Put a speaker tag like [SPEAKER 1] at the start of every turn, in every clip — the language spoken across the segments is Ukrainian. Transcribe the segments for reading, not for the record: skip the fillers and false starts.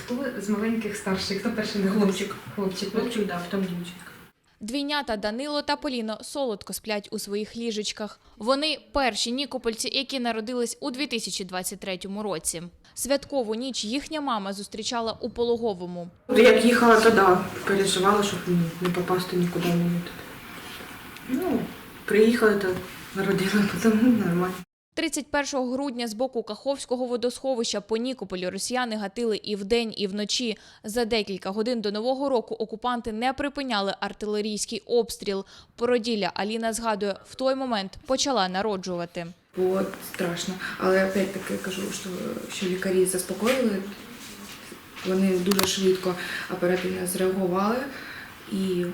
[SPEAKER 1] Хто з маленьких старший? Хто перший народився?
[SPEAKER 2] Хлопчик. Хлопчик, да, потім дівчинка.
[SPEAKER 3] Двійнята Данило та Поліно солодко сплять у своїх ліжечках. Вони перші нікопольці, які народились у 2023 році. Святкову ніч їхня мама зустрічала у Пологовому.
[SPEAKER 2] Як їхала, то да, переживала, щоб не попасти нікуди. Ну, приїхали, то народила, потім нормально.
[SPEAKER 3] 31 грудня з боку Каховського водосховища по Нікополю росіяни гатили і вдень, і вночі. За декілька годин до Нового року окупанти не припиняли артилерійський обстріл. Породілля Аліна згадує, в той момент почала народжувати.
[SPEAKER 2] Було страшно, але опять-таки кажу, що лікарі заспокоїли, вони дуже швидко, оперативно зреагували і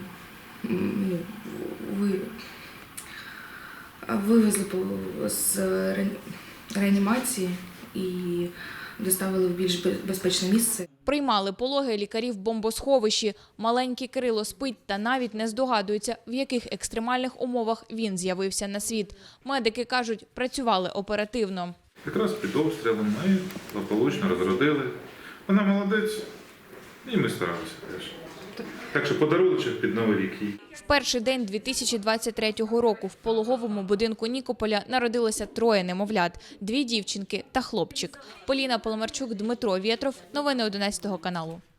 [SPEAKER 2] вивезли з реанімації і доставили в більш безпечне місце.
[SPEAKER 3] Приймали пологи лікарі в бомбосховищі. Маленький Кирило спить та навіть не здогадується, в яких екстремальних умовах він з'явився на світ. Медики кажуть, працювали оперативно.
[SPEAKER 4] Якраз під обстрілом ми благополучно розродили. Вона молодець, і ми старалися теж. Так що подарунок під Новий рік їй.
[SPEAKER 3] В перший день 2023 року в пологовому будинку Нікополя народилося 3 немовлят – 2 дівчинки та хлопчик. Поліна Поломарчук, Дмитро Вєтров. Новини 11 каналу.